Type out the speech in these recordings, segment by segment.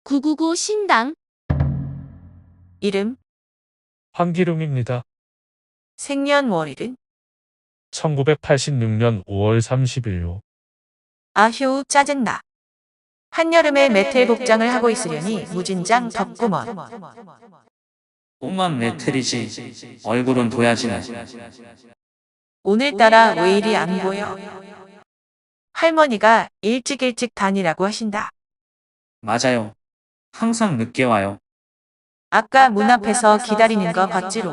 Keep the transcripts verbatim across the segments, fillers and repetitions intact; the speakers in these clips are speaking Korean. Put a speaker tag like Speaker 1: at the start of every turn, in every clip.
Speaker 1: 구구구 신당.
Speaker 2: 이름,
Speaker 3: 황기룡입니다.
Speaker 2: 생년월일은?
Speaker 3: 천구백팔십육 년 오월 삼십일요.
Speaker 2: 아휴 짜증나. 한여름에 메텔 복장을 하고 있으려니 무진장 덥구먼.
Speaker 4: 옷만 메텔이지 얼굴은 도야지네.
Speaker 2: 오늘따라 왜 이리 안 보여? 할머니가 일찍 일찍 다니라고 하신다.
Speaker 4: 맞아요. 항상 늦게 와요.
Speaker 2: 아까 문 앞에서 기다리는 거 봤지롱.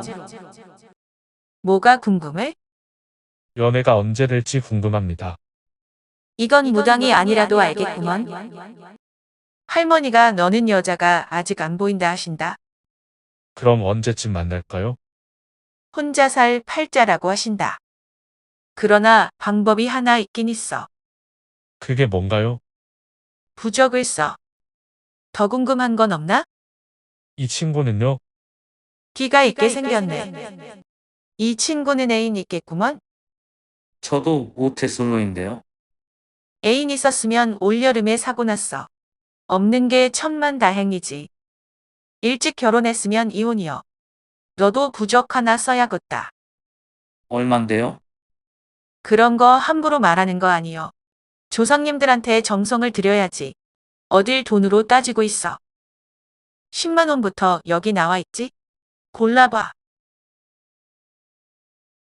Speaker 2: 뭐가 궁금해?
Speaker 3: 연애가 언제 될지 궁금합니다.
Speaker 2: 이건 무당이 아니라도 알겠구먼. 할머니가 너는 여자가 아직 안 보인다 하신다.
Speaker 3: 그럼 언제쯤 만날까요?
Speaker 2: 혼자 살 팔자라고 하신다. 그러나 방법이 하나 있긴 있어.
Speaker 3: 그게 뭔가요?
Speaker 2: 부적을 써. 더 궁금한 건 없나?
Speaker 3: 이 친구는요?
Speaker 2: 기가 있게 생겼네. 이 친구는 애인 있겠구먼.
Speaker 4: 저도 모태솔로인데요.
Speaker 2: 애인 있었으면 올여름에 사고 났어. 없는 게 천만다행이지. 일찍 결혼했으면 이혼이여. 너도 부적 하나 써야겠다.
Speaker 4: 얼만데요?
Speaker 2: 그런 거 함부로 말하는 거 아니여. 조상님들한테 정성을 들여야지. 어딜 돈으로 따지고 있어. 십만 원부터 여기 나와 있지? 골라봐.